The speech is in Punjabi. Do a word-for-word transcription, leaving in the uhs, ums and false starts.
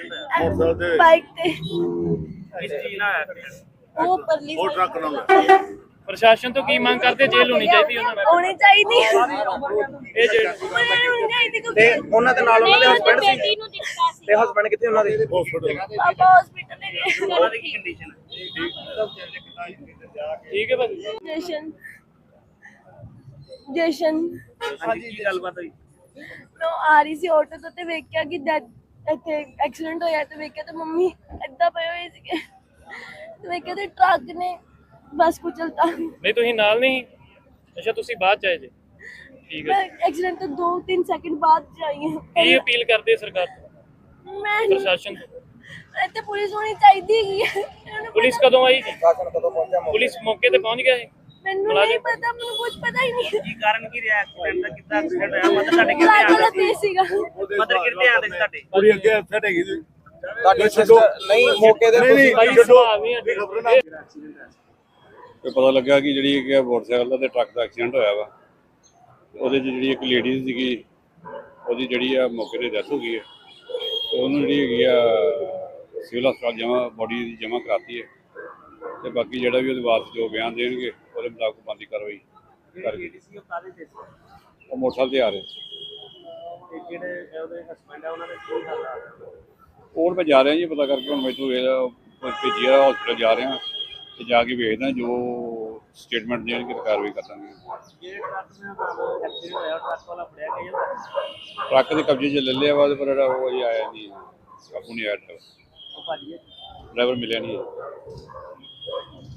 ਬਾਈਕ ਤੇ ਇਸ ਚੀਜ਼ ਨਾਲ ਆਇਆ accident? ਉਹ ਪਰਲੀ ਉਹ ਟਰੱਕ ਨਾਲ ਪ੍ਰਸ਼ਾਸਨ ਤੋਂ ਕੀ ਮੰਗ ਕਰਦੇ? ਜੇਲ੍ਹ ਹੋਣੀ ਚਾਹੀਦੀ ਉਹਨਾਂ ਦੀ। ਹੋਣੀ ਚਾਹੀਦੀ ਇਹ ਜਿਹੜੇ ਹੋਣੀ ਚਾਹੀਦੀ ਤੇ ਕਿਉਂਕਿ ਉਹਨਾਂ ਦੇ ਨਾਲ ਉਹਨਾਂ ਦੇ ਹਸਬੰਡ ਸੀ ਬੇਟੀ ਨੂੰ ਦਿੱਤਾ ਸੀ ਤੇ ਹਸਬੰਡ ਕਿੱਥੇ ਉਹਨਾਂ ਦੇ? ਹਸਪੀਟਲ ਪਾਪਾ ਹਸਪੀਟਲ ਲੈ ਗਏ ਉਹਨਾਂ ਦੀ ਕੀ ਕੰਡੀਸ਼ਨ ਹੈ? ਠੀਕ ਹੈ ਭਾਜੀ। ਜਸ਼ਨ ਜਸ਼ਨ ਹਾਂਜੀ, ਕੀ ਗੱਲਬਾਤ ਹੋਈ? ਮੈਂ ਆ ਰਹੀ ਸੀ ਆਟੋ ਤੋਂ ਤੇ ਵੇਖਿਆ ਕਿ ਡੈਡ ਇੱਥੇ ਐਕਸੀਡੈਂਟ ਹੋਇਆ ਤੇ ਵੇਖਿਆ ਤੇ ਮੰਮੀ ਏਦਾਂ ਪਏ ਹੋਏ ਸੀਗੇ ਤੇ ਵੇਖਿਆ ਤੇ ਟਰੱਕ ਨੇ ਬਸ ਕੁਚਲਤਾ। ਨਹੀਂ ਤੁਸੀਂ ਨਾਲ ਨਹੀਂ? ਅੱਛਾ ਤੁਸੀਂ ਬਾਅਦ ਚ ਆਏ ਜੇ। ਠੀਕ ਮੈਂ ਹੈ। ਐਕਸੀਡੈਂਟ ਤੋਂ ਦੋ ਤਿੰਨ ਸੈਕਿੰਡ ਬਾਅਦ ਜਾਈ ਹਾਂ। ਕੀ ਅਪੀਲ ਕਰਦੇ ਸਰਕਾਰ ਤੋਂ, ਮੈਂ ਪ੍ਰਸ਼ਾਸਨ ਤੋਂ? ਇੱਥੇ ਪੁਲਿਸ ਹੋਣੀ ਚਾਹੀਦੀ ਹੈਗੀ ਹੈ। ਇਹਨਾਂ ਨੂੰ ਪੁਲਿਸ ਪਤਾ- ਕਦੋਂ ਆਈ ਜੀ? ਸ਼ਾਸਨ ਕਦੋਂ ਪਹੁੰਚਿਆ ਮੌਕੇ ਪੁਲਿਸ ਮੌਕੇ ਤੇ ਪਹੁੰਚ ਗਿਆ ਹੈ? ਮੈਨੂੰ ਨਹੀਂ ਪਤਾ, ਮੈਨੂੰ ਕੁਝ ਪਤਾ ਹੀ ਨਹੀਂ। ਕੀ ਕਾਰਨ ਕੀ ਰਿਹਾ ਐਕਸੀਡੈਂਟ ਦਾ? ਕਿੱਦਾਂ ਐਕਸੀਡੈਂਟ ਹੋਇਆ? ਮਤਲਬ ਤੁਹਾਡੇ ਕਿੱਥੇ ਟਰੱਕ ਵਾਲਾ ਆਉਂਦੇ ਤੇਜ਼ ਸੀਗਾ। ਮਤਲਬ ਕਿੱਥੇ ਆਉਂਦੇ ਸੀ ਤੁਹਾਡੇ? ਪੂਰੀ ਅੱਗੇ ਫਟ ਹੈਗੀ ਜੀ ਤੁਹਾਡੀ ਸਿਸਟਰ ਨਹੀਂ ਮੌਕੇ ਦੇ ਨਹੀਂ, ਨਹੀਂ, ਭਾਈ ਛੱਡੋ। ਸੁਭਾਅ ਵੀ ਹੈ। ਖਬਰ ਨਾ ਤੇ ਪਤਾ ਲੱਗਾ ਕਿ ਜਿਹੜੀ ਕਿ ਮੋਟਰਸਾਈਕਲ ਦਾ ਤੇ ਟਰੱਕ ਦਾ ਐਕਸੀਡੈਂਟ ਹੋਇਆ ਵਾ। ਉਹਦੇ 'ਚ ਜਿਹੜੀ ਇੱਕ ਲੇਡੀਜ਼ ਸੀਗੀ, ਉਹਦੀ ਜਿਹੜੀ ਆ ਮੌਕੇ 'ਤੇ ਡੈਥ ਹੋ ਗਈ ਹੈ। ਤੇ ਉਹਨੂੰ ਜਿਹੜੀ ਹੈਗੀ ਆ ਸਿਵਲ ਹਸਪਤਾਲ ਜਮ੍ਹਾਂ ਬੋਡੀ ਦੀ ਜਮ੍ਹਾਂ ਕਰਾਤੀ ਹੈ। ਤੇ ਬਾਕੀ ਜਿਹੜਾ ਵੀ ਉਹਦੇ ਵਾਰਸ ਜੋ ਬਿਆਨ ਦੇਣਗੇ ਉਹਦੇ ਮੁਤਾਬਕ ਬਣਦੀ ਕਾਰਵਾਈ ਕਰਕੇ। ਉਹ ਮੋਟਰਸਾਈਕਲ ਤੇ ਆ ਰਹੇ ਸੀ। ਜਿਹੜੇ ਉਹਦੇ ਹਸਬੰਡ ਆ ਉਹਨਾਂ ਦੇ ਕੀ ਹਾਲ ਆ? ਕੋਲ ਮੈਂ ਜਾ ਰਿਹਾ ਜੀ, ਪਤਾ ਕਰਕੇ ਹੁਣ ਮੈਨੂੰ ਇਹ ਭੇਜੀ ਆ ਹਸਪੀਟਲ ਜਾ ਰਿਹਾ ਤੇ ਜਾ ਕੇ ਵੇਖਦਾ ਜੋ ਸਟੇਟਮੈਂਟ ਦੇਣਗੇ ਤੇ ਕਾਰਵਾਈ ਕਰ ਦਾਂਗੇ। ਜਿਹੜੇ ਟਰੱਕ ਨਾਲ ਐਕਸੀਡੈਂਟ ਹੋਇਆ ਟਰੱਕ ਵਾਲਾ ਫੜਿਆ ਗਿਆ? ਟਰੱਕ ਦੇ ਕਬਜ਼ੇ 'ਚ ਲੈ ਲਿਆ ਵਾ, ਪਰ ਜਿਹੜਾ ਉਹ ਅਜੇ ਆਇਆ ਨਹੀਂ, ਕਾਬੂ ਨਹੀਂ ਆਇਆ ਡਰਾਈਵਰ। ਉਹ ਭਾਜੀ ਡਰਾਈਵਰ ਮਿਲਿਆ ਨਹੀਂ ਹੈ।